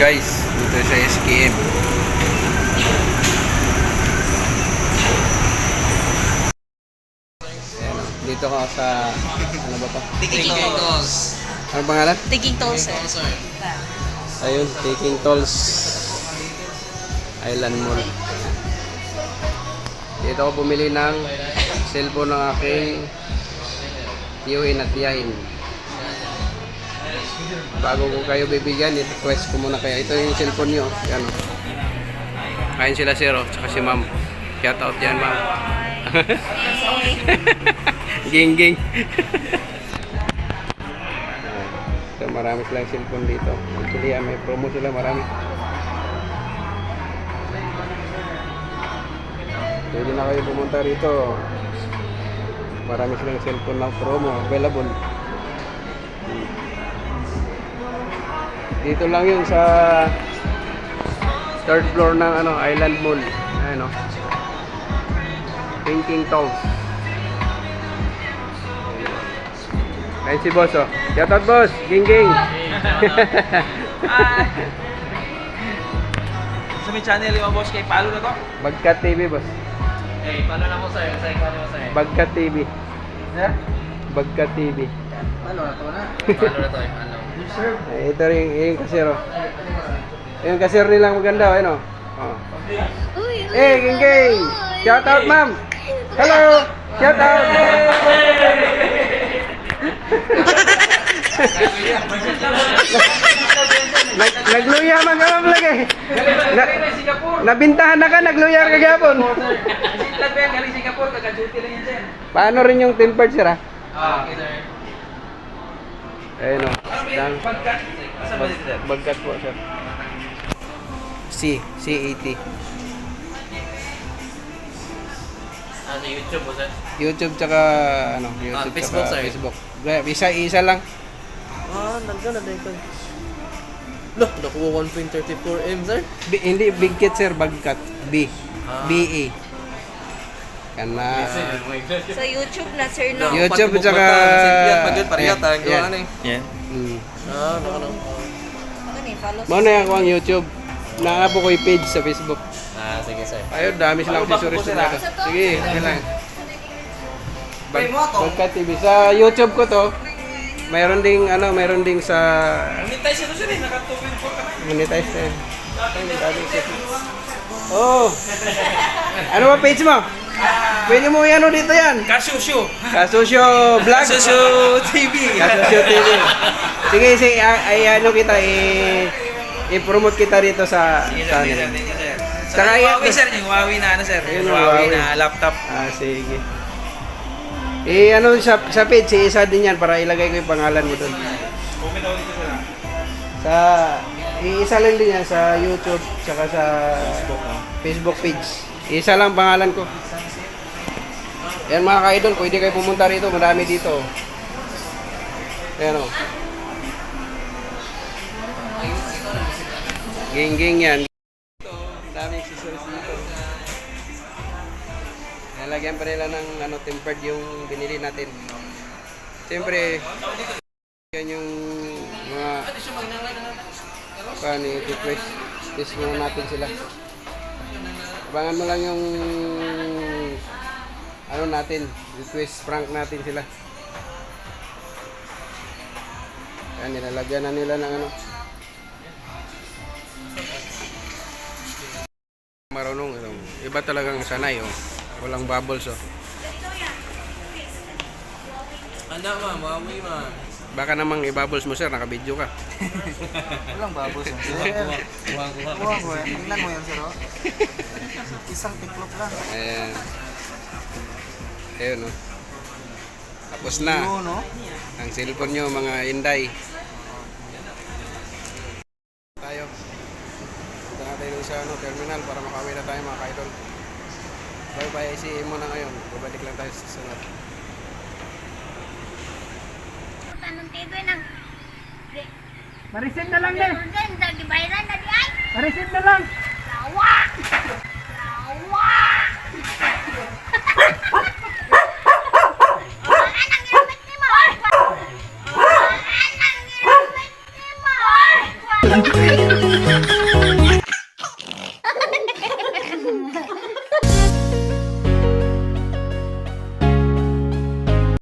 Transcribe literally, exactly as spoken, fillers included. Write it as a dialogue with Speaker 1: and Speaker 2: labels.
Speaker 1: guys, dito sa S K M. Ayan, dito ka sa ano ba to?
Speaker 2: Taking tolls.
Speaker 1: Ano pangalan?
Speaker 3: Taking tolls, sir.
Speaker 1: Ayun, Taking Tolls Island Mall. Dito ako bumili ng cellphone ng aking tiyuhin at tiyahin. Bago ko kayo bibigyan, i-request ko muna kayo. Ito yung cellphone nyo. Yan o. Kain sila sir o. Tsaka si ma'am. Shout out yan ma'am. Ging ging. So, marami silang cellphone dito. Actually, may promo sila marami. Pwede na kayo pumunta rito. Marami silang cellphone ng promo available. Dito lang yun sa third floor ng ano, Island Mall. Ayan o. Taking Tolls. Ayan si boss o. Shout out boss. Ging ging.
Speaker 2: Sa may channel yung boss kay Palo na to?
Speaker 1: Bagkat T V boss.
Speaker 2: Eh, paano na mo sa'yo? Sa'yo, paano mo sa'yo?
Speaker 1: Bagkat T V.
Speaker 2: Sir?
Speaker 1: Bagkat T V.
Speaker 2: Paano na to na? Paano na to? Paano? Sir?
Speaker 1: Eh, ito rin yung kasero. Yung kasero nilang maganda o. Ano? Oh.
Speaker 3: Uy, uy,
Speaker 1: Eh, ging ging. Shout out ma'am. Hello. Shout out. Nag nagluya man ka ma'am lagi. Na, nabintahan na ka, nagluyar ka gapon.
Speaker 2: Sitlag ba yan? Galing Singapore, kaka-duty lang yan, sir.
Speaker 1: Paano rin yung tempered sir ah?
Speaker 2: Ah, okay, sir.
Speaker 1: Ayun o.
Speaker 2: Ano ba
Speaker 1: Lang,
Speaker 2: yung pagkat? Asa ba dito, sir?
Speaker 1: bagkat po sir. C, C eighty.
Speaker 2: Ano, YouTube po, sir?
Speaker 1: YouTube tsaka ano, YouTube
Speaker 2: Ah, Facebook,
Speaker 1: tsaka
Speaker 2: sir.
Speaker 1: Facebook. Isa, isa lang.
Speaker 2: Ah, nandun na dahil ko. Loh, nakuha one point three four M, sir?
Speaker 1: B, hindi big kit sir, bagkat. B.
Speaker 2: Ah.
Speaker 1: B A. Kana.
Speaker 3: sa YouTube na, sir, no?
Speaker 1: YouTube tsaka
Speaker 2: Parihat,
Speaker 1: ayan,
Speaker 2: ang gawa na eh.
Speaker 4: Yan.
Speaker 1: Mm.
Speaker 2: Ah, baka na.
Speaker 3: Ano ni, follow
Speaker 1: Mo na ako ang YouTube. Naa po ko yung page sa Facebook.
Speaker 2: Ah, sige, sir.
Speaker 1: Ayun, dami silang
Speaker 2: Ano ba
Speaker 1: accessories
Speaker 2: po sila?
Speaker 1: dito. Sige, sige lang. Bag, Bagkat T V. Sa YouTube ko to, mayroon ding ano, mayroon ding sa
Speaker 2: Monetize ito, sir, eh. Naka two point four ka na.
Speaker 1: monetize na yan. Ay, dami sa- Oh. Ano ba page mo? Pwede mo yan dito yan.
Speaker 2: Kasusyo.
Speaker 1: Kasusyo Vlog.
Speaker 2: Kasusyo T V.
Speaker 1: Kasusyo T V. Sige, sige, ay, ay ano kita, i i-promote kita dito sa
Speaker 2: Sige,
Speaker 1: sa
Speaker 2: sir.
Speaker 1: ano.
Speaker 2: Thank you, sir. Sa
Speaker 1: Saka yan-
Speaker 2: Huawei, sir. Yung Huawei na ano, sir.
Speaker 1: Ayun,
Speaker 2: Yung
Speaker 1: yung
Speaker 2: Huawei
Speaker 1: Huawei.
Speaker 2: na laptop.
Speaker 1: Ah, sige. Eh, ano sa, sa page, isa din yan para ilagay ko yung pangalan mo doon.
Speaker 2: Comment ako dito, sir.
Speaker 1: Sa, isa lang din yan sa YouTube, saka sa Facebook page. Isa lang pangalan ko. Yan mga ka-idol, pwede kayo pumunta rito, marami dito. Ayan o. Ging-ging yan. Dami accessories dito. Nalagyan pa nila ng ano, tempered yung binili natin. Siyempre, yan yung mga paano yung request. Test muna natin sila. Abangan mo lang yung ano natin, request prank natin sila. Yan, nilalagyan na nila ng ano. Marunong, ano, iba talagang sanay, oh. Walang bubbles, oh.
Speaker 2: Anda, ma'am. Huawei, ma'am.
Speaker 1: Baka namang i-bubbles mo, sir, naka-video ka.
Speaker 5: Walang babos yan, sir.
Speaker 2: Kuha, kuha.
Speaker 5: Kuha ko yan. Tingnan mo yan, sir. oh. Isang tiklop lang.
Speaker 1: Ayan. Ayun, oh. Tapos na.
Speaker 5: Yun, no?
Speaker 1: Ang cellphone nyo, mga inday. Tayo. Punta na tayo sa ano, terminal para makauwi na tayo mga ka-idol. Bye-bye, I C E muna ngayon. Babalik lang tayo sa sunod.
Speaker 6: Tanong tigo ng
Speaker 5: Ma-reset na lang din.
Speaker 6: Jordan, dagi bayaran na di ay.
Speaker 5: Ma-reset na lang.
Speaker 6: Lawa! Lawa! Anang irapit ni mo? Anang irapit ni mo? Wala.